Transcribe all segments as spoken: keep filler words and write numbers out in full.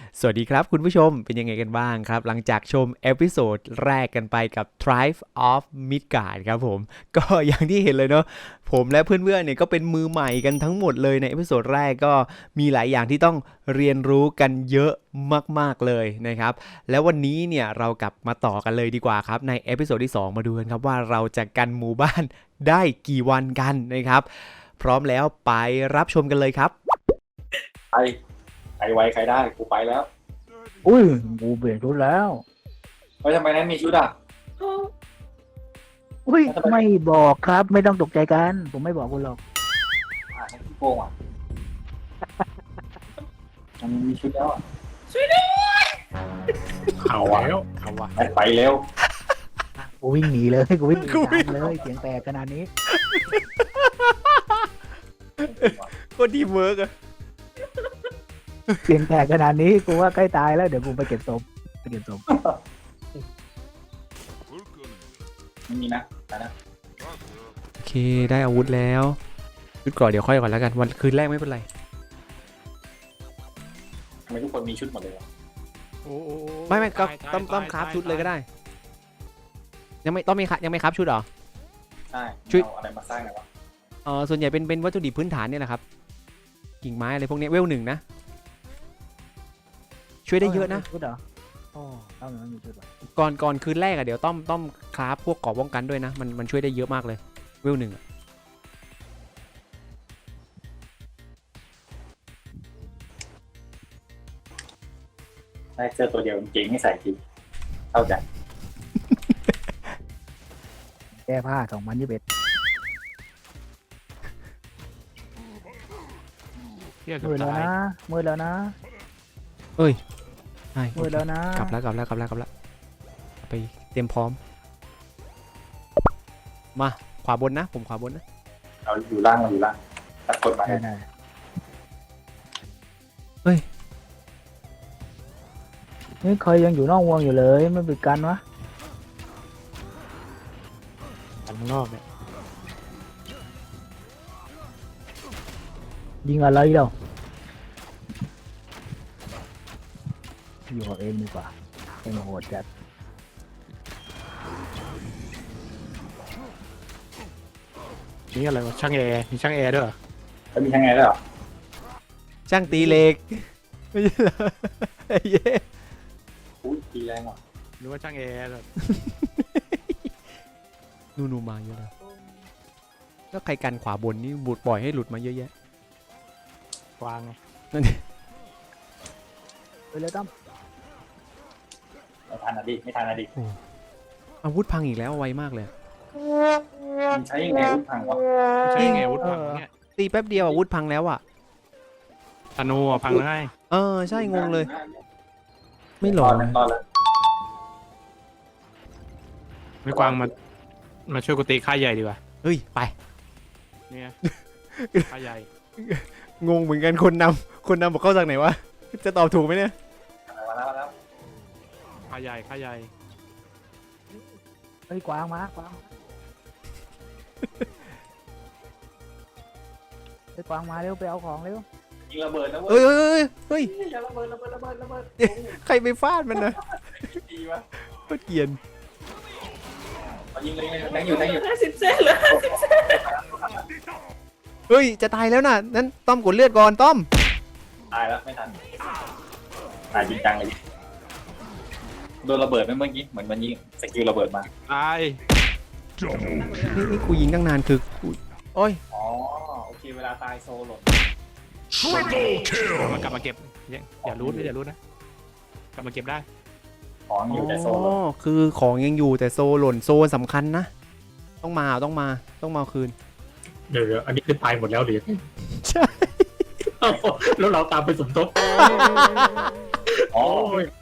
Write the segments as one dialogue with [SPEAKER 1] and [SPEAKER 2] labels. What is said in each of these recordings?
[SPEAKER 1] สวัสดีครับคุณผู้ชมเป็นยังไงกันบ้างครับหลังจากชมเอพิโซดแรกกันไปกับ Tribe of Midgard ครับผมก็อย่างที่เห็นเลยเนาะผมและเพื่อนๆเนี่ยก็เป็นมือใหม่กันทั้งหมดเลยในเอพิโซดแรกก็มีหลายอย่างที่ต้องเรียนรู้กันเยอะมากๆเลยนะครับแล้ววันนี้เนี่ยเรากลับมาต่อกันเลยดีกว่าครับในเอพิโซดที่สองมาดูกันครับว่าเราจะกันหมู่บ้านได้กี่วันกันนะครับพร้อมแล้วไปรับชมกันเลยครับ
[SPEAKER 2] ไปใครไวใครได้กูไปแล้ว
[SPEAKER 3] อุ้ยกูเปลี่ยนชุดแล้ว
[SPEAKER 2] เฮ้ยทำไมนั้นมีชุดอ่ะ
[SPEAKER 3] อุ้ย
[SPEAKER 2] แล้วทำไม
[SPEAKER 3] ไม่บอกครับไม่ต้องตกใจกัน ผมไม่บอกคุณหรอก
[SPEAKER 2] อ่านั่นพี่โกงอ่ะมันมีชุดแล้วอ่ะ
[SPEAKER 4] เอาแล้วเอาวะ
[SPEAKER 2] ไปไปเร็ว
[SPEAKER 3] กูวิ่งหนีเลยกูวิ่งหนี
[SPEAKER 1] กูวิ่ง
[SPEAKER 3] ตามเลยเสียงแตกขนาดนี้
[SPEAKER 1] ก็ดีเวิร์กอะ
[SPEAKER 3] เสียงแตกขนาดนี้กูว่าใกล้ตายแล้วเดี๋ยวกูไปเก็บศพไปเก็บศพ
[SPEAKER 2] ไม่มีนะไปนะ
[SPEAKER 1] โอเคได้อาวุธแล้วชุดก่อนเดี๋ยวค่อยก่อนแล้วกันวันคืนแรกไม่เป็นไร
[SPEAKER 2] ทำไมทุกคนมีชุดหมดเลยอ่ะ
[SPEAKER 4] โอ้โอ้
[SPEAKER 1] ไม่ไม่ก็
[SPEAKER 4] ตายตาย
[SPEAKER 1] ต้องต้อง
[SPEAKER 4] ตาย
[SPEAKER 1] คราฟ
[SPEAKER 4] ตาย
[SPEAKER 1] ชุดเลยก็ได้ ยังไม่ต้องมียังไม่คราฟชุดเหรอ
[SPEAKER 2] ใช่
[SPEAKER 1] ชุด
[SPEAKER 2] เอาอะไรมาสร้างหน่อยวะ
[SPEAKER 1] เออส่วนใหญ่เป็นเป็นวัตถุดิบพื้นฐานเนี่ยแหละครับกิ่งไม้อะไรพวกเนี้ยเวลหนึ่งนะช่วยได้เยอะนะ
[SPEAKER 3] ชุดเหรออ๋อเอาหน่อยมีชุดเหรอ
[SPEAKER 1] ก่อนก่อนคืนแรกอะเดี๋ยวต้องต้องคราฟพวกเกราะป้องกันด้วยนะมันมันช่วยได้เยอะมากเลยเวลหนึ่งอะ
[SPEAKER 2] ได้เสื้อตัวเดียวเก่งไม่ใส่ทีเข้าใจ
[SPEAKER 3] แก้ผ้าสองพันยี่สิบเอ็ด
[SPEAKER 4] เที่ยเกือ
[SPEAKER 3] มื
[SPEAKER 4] บ
[SPEAKER 3] ดแล้ว
[SPEAKER 4] ตาย
[SPEAKER 3] นะมืดแล้วนะ
[SPEAKER 1] ใช่โอ
[SPEAKER 3] มืด
[SPEAKER 1] เค
[SPEAKER 3] แล้วนะ
[SPEAKER 1] กลับแล้วกลับแล้วกลับแล้วกลับแล้วไปเตรียมพร้อมมาขวาบนนะผมขวาบนนะ
[SPEAKER 2] เราอยู่ล่างเราอยู่ล่างตัดคนมา
[SPEAKER 3] ได้ได้
[SPEAKER 1] เฮ้ย
[SPEAKER 3] นี่เคยยังอยู่นอกวงอยู่เลยไม่ปิดกันวะ
[SPEAKER 4] ข้างนอกเนี่ย
[SPEAKER 3] ยิงอะไรเดี๋ยวอยู่กับเองดีกว่าเองโหดจัด
[SPEAKER 4] นี่อะไรวะช่างแอร์มีช่างแอร์ด้วยเหรอ
[SPEAKER 2] แล้วมีทั้งไงด้วยเหรอ
[SPEAKER 1] ช่างตีเหล็กไม่ใช่เหรอไอ้เย้
[SPEAKER 2] อุ้ยตีแรงว่ะ
[SPEAKER 4] หรือว่าช่างแอร์แบบ
[SPEAKER 1] นูนูมาเยอะแล้วแล้วใครกันขวาบนนี่บูดปล่อยให้หลุดมาเยอะแยะ
[SPEAKER 4] วางไง
[SPEAKER 1] นั่น
[SPEAKER 3] ไปเลยตั้ม
[SPEAKER 2] ไม่ทันนะดิไม่ทันนะดิ
[SPEAKER 1] อาวุธพังอีกแล้วไวมากเลย
[SPEAKER 2] มันใช้ยังไงวุ้นพังวะ
[SPEAKER 4] ใช่ไงอาวุธพังเนี่ย
[SPEAKER 1] ตีแป๊บเดียวอาวุธพังแล้วอ่ะ
[SPEAKER 4] ธนูอ่ะพังได้
[SPEAKER 1] เออใช่งงเลย ไม่หล
[SPEAKER 2] ร
[SPEAKER 1] อ
[SPEAKER 2] อน ดแล้วรอดแล้ว
[SPEAKER 4] ไม่กวางมามาช่วยกูตีค่ายใหญ่ดีกว่า
[SPEAKER 1] เฮ้ยไป
[SPEAKER 4] เนี่ยค่ายใหญ่
[SPEAKER 1] งงเหมือนกันคนนำคนนำบอกเข้าจากไหนวะจะตอบถูกไหมเนี่ย
[SPEAKER 2] มาแล้วมาแล้ว
[SPEAKER 4] ค่ายใหญ่ค่ายใหญ่
[SPEAKER 3] เฮ้ยกวางมากวางเฮ้ยกวางมาเร็วไปเอาของเร็ว
[SPEAKER 2] ยิงระเบิดนะเว้
[SPEAKER 1] เอ้
[SPEAKER 2] ย
[SPEAKER 1] ยเอ้ยเฮ้ยเฮ้ย
[SPEAKER 2] อย่าระเบิดระเบิดระเบิดระเบิด
[SPEAKER 1] ใครไปฟาดมันนะ
[SPEAKER 2] ดีวะ
[SPEAKER 1] โคตรเกรียน
[SPEAKER 2] เอายิงเลยเลยแทงอยู่แทงอยู่
[SPEAKER 5] ห้าสิบเซนเหรอ
[SPEAKER 1] เฮ้ยจะตายแล้วน่ะนั้นต้อมกดเลือดก่อนต้อม
[SPEAKER 2] ตายแล้วไม่ทันตายจริงจังเลยโดนระเบิดไหมเมื่อกี้เหมือนมันยิงสกิลระเบิดมา
[SPEAKER 4] ตาย
[SPEAKER 1] นี่นี่กูยิงตั้งนานคือกูโอ้ย
[SPEAKER 2] อ๋อโอเคเวลาตายโซหล่น
[SPEAKER 4] มากลับมาเก็บอย่าอย่ารู้นะอย่ารู้นะกลับมาเก็บได้
[SPEAKER 2] ของอยู่แต่โซ
[SPEAKER 1] อ๋
[SPEAKER 2] หล่น
[SPEAKER 1] อคือของยังอยู่แต่โซหล่นโซสำคัญนะ ต้องมาต้องมาต้องมาเอาคืน
[SPEAKER 6] เดี๋ยวเดี๋ยวอันนี้คือตายหมดแล้วหรือ
[SPEAKER 1] ใช่
[SPEAKER 6] แล้วเราตามไปสมทบ
[SPEAKER 2] อ๋อ
[SPEAKER 6] โอ้ย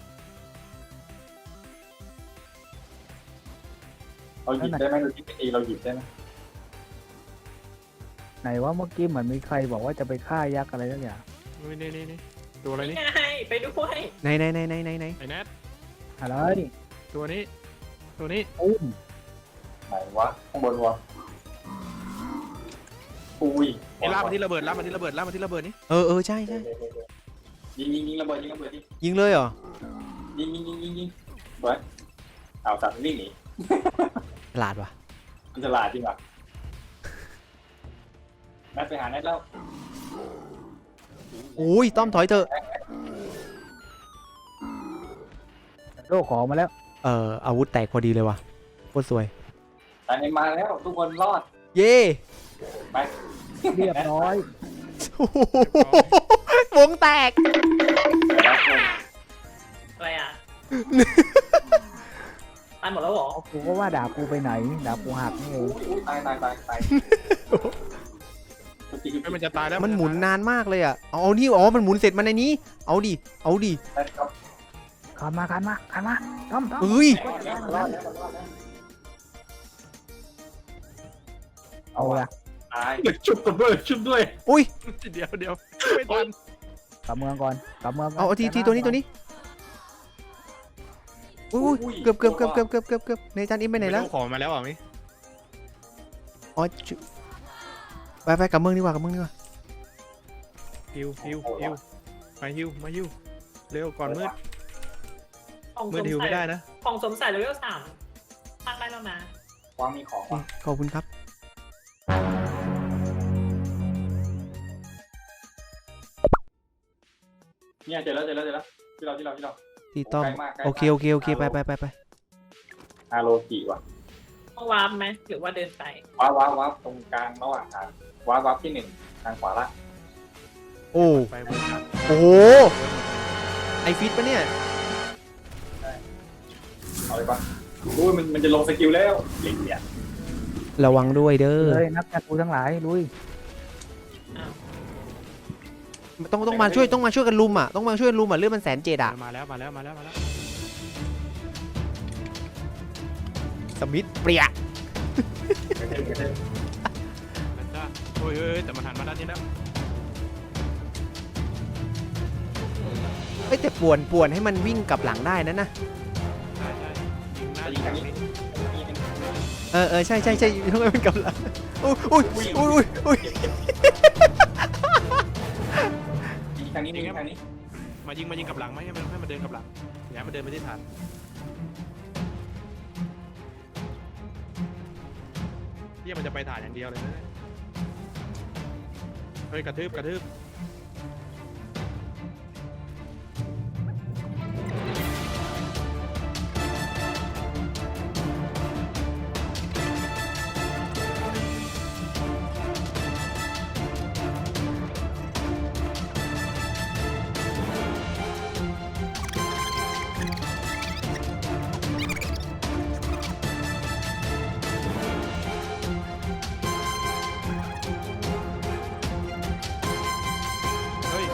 [SPEAKER 2] เราหยิบได้ไหมเราหยิบไปตีเราหยิบได้ไหม
[SPEAKER 3] ไหนว่าเมื่อกี้เหมือนมีใครบอกว่าจะไปฆ่ายักษ์อะไรสักอย่าง
[SPEAKER 4] นี่นี่นี่นี่ตัวอะไรนี่
[SPEAKER 5] ไงไปด้วย
[SPEAKER 1] ไหนไหนไหนไหนไหนไหน
[SPEAKER 4] ไอ้แนท
[SPEAKER 3] อะไร
[SPEAKER 4] ตัวนี้ ตัวนี้
[SPEAKER 3] อุ้ม
[SPEAKER 2] ไหนวะข้างบนวะอุ้ย
[SPEAKER 4] ไอ้ลากมาที่ระเบิดลากมาที่ระเบิดลากมาที่ระเบิดนี่
[SPEAKER 1] เออเออใช่ใช่
[SPEAKER 2] ยิงยิงยิงระเบิดยิงระเบิดยิง
[SPEAKER 1] ยิงเลยเหรอ
[SPEAKER 2] ยิงยิงยิงยิงยิงสวยเอาสัตว์วิ่งหนี
[SPEAKER 1] ฉลาดว่ะ
[SPEAKER 2] มันจะลาดจริงป่ะนัดไปหานัดแล้ว
[SPEAKER 1] โอ้ยต้อมถอยเถอะ
[SPEAKER 3] โลกของมาแล้ว
[SPEAKER 1] เอ่ออาวุธแตกพอดีเลยว่ะโคตรสวย
[SPEAKER 2] ตายในมาแล้วทุกคนรอด
[SPEAKER 1] เย่
[SPEAKER 2] ไป
[SPEAKER 3] เรียบร้อย
[SPEAKER 1] โอ้โหวงแตก
[SPEAKER 2] ไปแล้วคน
[SPEAKER 5] อะไรอ่ะ ตายหมดแล้วเหรอ
[SPEAKER 3] เอากูก็ว่าดาบกูไปไหนดาบกูหักนี่เอง
[SPEAKER 2] อุ้ยตายตายตายตาย
[SPEAKER 4] ไม่มันจะตายแล้ว
[SPEAKER 1] มันหมุนนานมากเลยอ่ะเอาเอานี่อ๋อมันหมุนเสร็จมันในนี้ เอาดิเอาดิ
[SPEAKER 2] ครับ
[SPEAKER 3] ขันมาขันมาขันมาต้อมต้อม
[SPEAKER 1] เอ้ย
[SPEAKER 2] รอดแล้วรอดแล้วรอดแล้ว
[SPEAKER 3] เอาละ
[SPEAKER 2] ตาย
[SPEAKER 6] ชุบกันด้วยชุบด้วย
[SPEAKER 1] อุ้ย
[SPEAKER 4] เดี๋ยวเดี๋ยวไม่ทัน
[SPEAKER 3] กลับเมืองก่อนกลับเมืองก่น
[SPEAKER 1] เอาเอาทีทีตัวนี้ตัวนี้อุ้ยอุ้ยเกือบเกือบเกือบเกือบเกือบเกือบเกือบในจานอิมไปไหนแล้ว
[SPEAKER 4] ม่รู้ของมาแล้วอ่ะมิ
[SPEAKER 1] อ๋อจุไปไปกลับเมืองดีกว่ากลับเมืองดีกว่า
[SPEAKER 4] ฮิวฮิวฮิวมาฮิวมาฮิวเร็วก่อนมืด
[SPEAKER 5] ของ
[SPEAKER 4] มื
[SPEAKER 5] ส
[SPEAKER 4] ด
[SPEAKER 5] ม
[SPEAKER 4] ฮิว
[SPEAKER 5] ใส่
[SPEAKER 4] ไม่ได้นะ
[SPEAKER 5] ของสมใส่เลเวลสามตั้งได้แล้วนะ
[SPEAKER 2] วางมีของว่ะ
[SPEAKER 1] ขอบคุณครับ
[SPEAKER 2] เนี่ยเจอแล้วเจอแล้วเจอแล้วที่เราที่เราที่เรา
[SPEAKER 1] ที่ต้อม
[SPEAKER 2] ใกล้มากใกล้มาก
[SPEAKER 1] โอเคโอเคโอเคไปไปไปไป
[SPEAKER 2] อาโรกิว่ะ
[SPEAKER 5] ต้องวาร์ปไหมหรือว่าเดินไป
[SPEAKER 2] ว้าวว้าวว้าวตรงกลางระหว่างทางว้าวว้าวที่หนึ่งทางขวาล่าง
[SPEAKER 1] โอ้
[SPEAKER 4] ไปเวิร์ดครับ
[SPEAKER 1] โอ้โหไอฟิตปะเนี่ย
[SPEAKER 2] เอาเลยป่ะรู้ยมันมันจะลงสกิลแล้วเหล็กเนี่ย
[SPEAKER 1] ระวังด้วยเด้อ
[SPEAKER 3] เลยนักจัดกูทั้งหลายลุย
[SPEAKER 1] ต้องต้องมาช่วยต้องมาช่วยกันลุมอ่ะต้องมาช่วยกันลุมอ่ะเลือดมันแสนเจ็ดอ่ะ
[SPEAKER 4] มาแล้วมาแล้วมาแล้วมาแล้ว
[SPEAKER 1] สมิธเปรี้ย
[SPEAKER 4] แล้วจ้าโอ้ยเอ้ยแต่มันหันมาด้านนี้แล้ว
[SPEAKER 1] เอ้ยแต่ป่วนป่วนให้มันวิ่งกลับหลังได้นะนะ
[SPEAKER 4] ใช่ใช่ยิงหน้า
[SPEAKER 2] ยิ
[SPEAKER 4] ยิ
[SPEAKER 2] ง
[SPEAKER 4] ง
[SPEAKER 2] ทาง
[SPEAKER 4] ทาง
[SPEAKER 2] นี้
[SPEAKER 4] นี้
[SPEAKER 1] เออเออใช่ใช่ใช่ต้องให้มันกลับหลังอุ้ยอุ้ยอุ้ยอุ้ยอุ้ย
[SPEAKER 2] ยิงทางนี้ยิงทางนี้
[SPEAKER 4] มายิงมายิงกลับหลังไหมให้มันให้มันเดินกลับหลังอย่าให้มันเดินไปที่ฐานเฮียมันจะไปฐานอย่างเดียวเลยนะเฮ้ยกระทืบกระทืบ เฮ้ย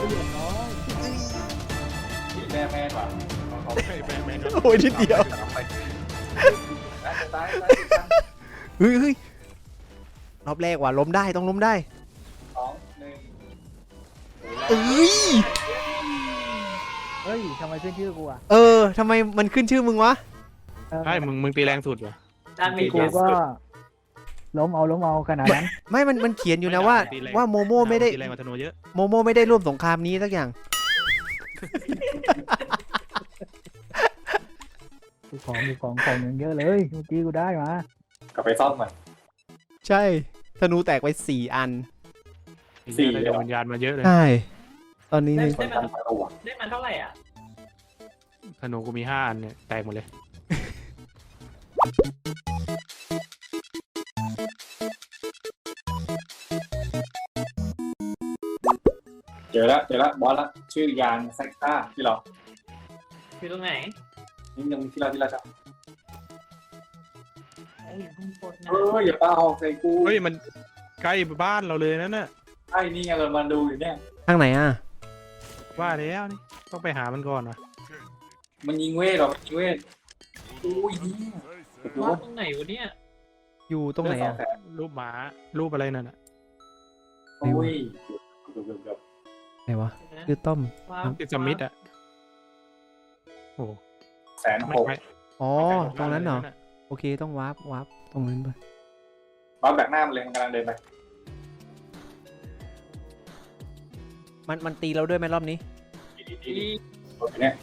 [SPEAKER 2] แม่แม่ว่ะเขา
[SPEAKER 4] เฮ้ยแมนแมน
[SPEAKER 1] โอ้ยนิดเดียว
[SPEAKER 2] ตายตายตาย
[SPEAKER 1] เฮ้ยเฮ้ยรอบแรกว่ะล้มได้ต้องล้มได้
[SPEAKER 2] สองหนึ่ง
[SPEAKER 1] เอ้ย
[SPEAKER 3] เฮ้ยทำไมขึ้นชื่อกูอ่ะ
[SPEAKER 1] เออทำไมมันขึ้นชื่อมึงวะ
[SPEAKER 3] เออ
[SPEAKER 4] ใช่มึงมึงตีแรงสุดเหรอ
[SPEAKER 5] ด้านมี
[SPEAKER 3] กูก็ล้มเอาล้มเอาขนาดนั้น
[SPEAKER 1] ไม่มันมันเขียนอยู่นะว่าว่าโมโมไม่ได้
[SPEAKER 4] ตีแรงกว่าธนูเยอะ
[SPEAKER 1] โมโมไม่ได้ร่วมสงครามนี้สักอย่าง
[SPEAKER 3] กูของกูของของอย่างเยอะเลยเมื่อกี้กูได้มาก
[SPEAKER 2] ลับไปซ่อมมัน
[SPEAKER 1] ใช่ธนูแตกไปสี่อัน
[SPEAKER 2] สี่
[SPEAKER 4] ได้
[SPEAKER 2] เลย
[SPEAKER 4] ด
[SPEAKER 2] เหรอ
[SPEAKER 4] วงวิญญาณมาเยอะเลย
[SPEAKER 1] ใช่ตอนนี้
[SPEAKER 5] ได้
[SPEAKER 1] นี่
[SPEAKER 2] คนทำประตูอ่ะ
[SPEAKER 5] ได้มาเท่าไหร่อ่ะ
[SPEAKER 4] ธนูกูมีห้าอันเนี่ยแตกหมดเลย
[SPEAKER 2] เจอแล้วเจอแล้วบอสละชื่อยานแซกต้าที่เรา
[SPEAKER 5] อยู่ตรงไหน
[SPEAKER 2] นี่ยังที่เราที่เราจะ
[SPEAKER 5] โอ้ยอยู่ข้างบนนะ
[SPEAKER 2] เอออย่าปาหอกใส่กู
[SPEAKER 4] เฮ้ยมันใกล้บ้านเราเลยนั่นน่ะ
[SPEAKER 2] ไอ้นี่ไงเรามาดูอยู่เนี่ย
[SPEAKER 1] ทางไหนอ่ะ
[SPEAKER 4] ว่าแล้วนี่ต้องไปหามันก่อนวะ
[SPEAKER 2] มันยิงเวทหรอมันยิงเวทอุ้ยเนี่ยโอ้โห
[SPEAKER 5] ว่าตรงไหนวะเนี่ย
[SPEAKER 1] อยู่ตรงไหนอ่ะ
[SPEAKER 2] เลืดสแส
[SPEAKER 4] รูปหมารูปอะไรนั่นน่ะ
[SPEAKER 2] โอ้ยเกือบเกือบเกือบ
[SPEAKER 1] ไหนวะคือต้อม
[SPEAKER 5] ว้าว
[SPEAKER 4] ติดสมิธอ่ะโอ้
[SPEAKER 2] แสน
[SPEAKER 4] ไม่
[SPEAKER 2] หก
[SPEAKER 4] ไม่
[SPEAKER 1] อ๋อ
[SPEAKER 4] ไม่ไกล
[SPEAKER 1] ตรงนั้นเหรอ
[SPEAKER 4] ลยะ
[SPEAKER 1] โอเคต้องวาร์ปวาร์ปตรงนั้นไป
[SPEAKER 2] บอสแบกหน้ามันเลยมันกำลังเดินไป
[SPEAKER 1] มันมันตีเราด้วยไหมรอบนี้
[SPEAKER 2] ตีดีดีดีรถเนี่ย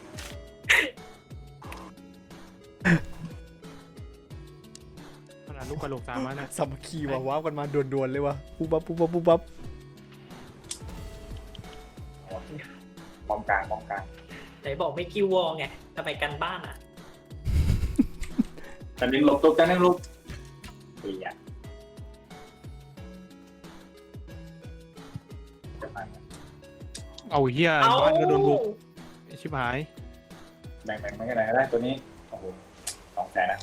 [SPEAKER 4] ขนาดลูกกระโหลกตามมานะ
[SPEAKER 1] สามัคคีว่ะว้าวกันมาด่วนๆเลยวะปุ๊บปั๊บปุ๊บปั๊บปุ๊บปั๊บ
[SPEAKER 2] ป้อมกลางป้อมกลาง
[SPEAKER 5] ไหนบอกไม่คิววอลไงทำไมกันบ้านอ่ะ
[SPEAKER 2] จันนึงหลบตุ๊กจันนึงหลบเฮียจะไป
[SPEAKER 4] เอาเฮีย
[SPEAKER 5] เอา
[SPEAKER 4] บ้านก็โดนบุกไอ้ชิบหาย
[SPEAKER 2] แบ่งแบ่งไม่กันไหนก็ได้ตัวนี้โอ้โหสองแสนนะ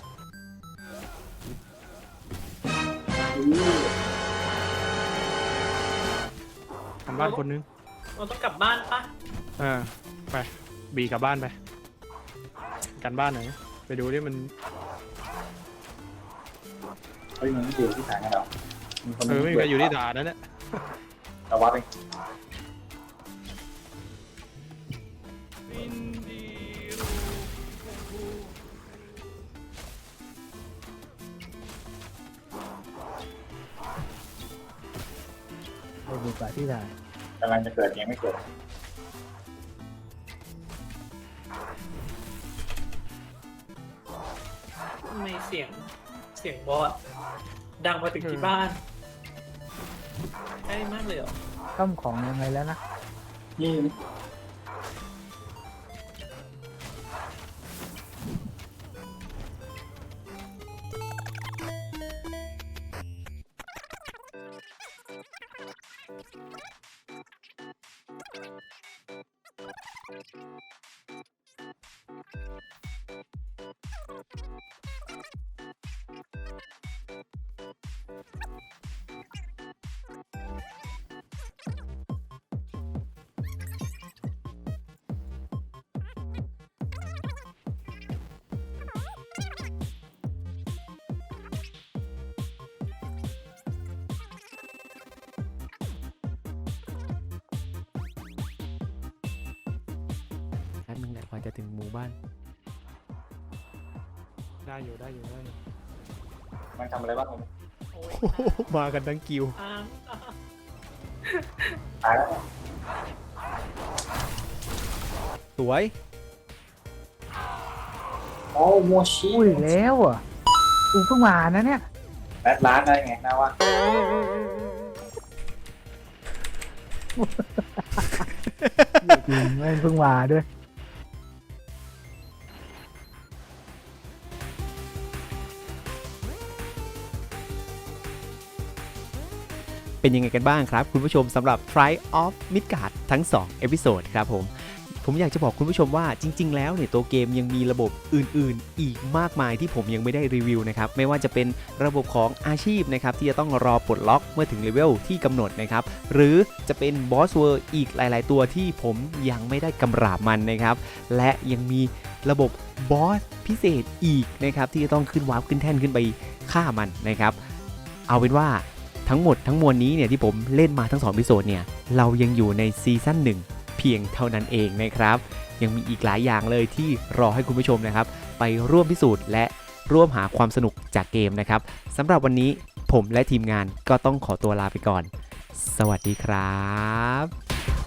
[SPEAKER 4] กันบ้านคนนึง
[SPEAKER 5] เราต้องกลับบ้านปะ
[SPEAKER 4] เออไปบีกลับบ้านไปกันบ้านหน่อยไปดูดิมัน
[SPEAKER 2] เฮ้ยมันไม่อยู่ที่ฐานกันหรอมีคน
[SPEAKER 4] เออไม่มีใครอยู่ที่ฐานนั่นแหละ
[SPEAKER 2] เราวัดเอง
[SPEAKER 3] ไปดูกว่าที่ไหน
[SPEAKER 2] กำลังจะเกิดยังไม่เกิด
[SPEAKER 5] ทำไมเสียงเสียงบอสดังมาถึงที่บ้านใกล้มากเลยเหรอ
[SPEAKER 3] ต้มของยังไงแล้วนะ
[SPEAKER 2] นี่
[SPEAKER 1] แป๊บนึงแหละกว่าจะถึงหมู่บ้าน
[SPEAKER 4] ได้อยู่ได้อยู่ได้อยู่
[SPEAKER 2] มันทำอะไรบ้างผม
[SPEAKER 5] โอ้ย
[SPEAKER 1] มากันทั้งกิว
[SPEAKER 5] อ้างอ้าง
[SPEAKER 2] ตายแล้ว
[SPEAKER 1] สวย
[SPEAKER 2] โอ้โมชิ
[SPEAKER 3] อุ้ยแล้วอ่ะกูเพิ่งมานะเนี่ย
[SPEAKER 2] แบทล้านได้ไงนะวะ
[SPEAKER 3] จริงแม่งเพิ่งมาด้วย
[SPEAKER 1] เป็นยังไงกันบ้างครับคุณผู้ชมสำหรับ Try of Midgard ทั้งสองเอพิโซดครับผม ผมอยากจะบอกคุณผู้ชมว่าจริงๆแล้วเนี่ยตัวเกมยังมีระบบอื่นๆ อีกมากมายที่ผมยังไม่ได้รีวิวนะครับไม่ว่าจะเป็นระบบของอาชีพนะครับที่จะต้องรอปลดล็อกเมื่อถึงเลเวลที่กำหนดนะครับหรือจะเป็นบอสเวอร์อีกหลายๆตัวที่ผมยังไม่ได้กำราบมันนะครับและยังมีระบบบอสพิเศษอีกนะครับที่จะต้องขึ้นวาร์ปขึ้นแท่นขึ้นไปฆ่ามันนะครับเอาเป็นว่าทั้งหมดทั้งมวลนี้เนี่ยที่ผมเล่นมาทั้งสองเอพิโซดเนี่ยเรายังอยู่ในซีซั่นหนึ่งเพียงเท่านั้นเองนะครับยังมีอีกหลายอย่างเลยที่รอให้คุณผู้ชมนะครับไปร่วมพิสูจน์และร่วมหาความสนุกจากเกมนะครับสำหรับวันนี้ผมและทีมงานก็ต้องขอตัวลาไปก่อนสวัสดีครับ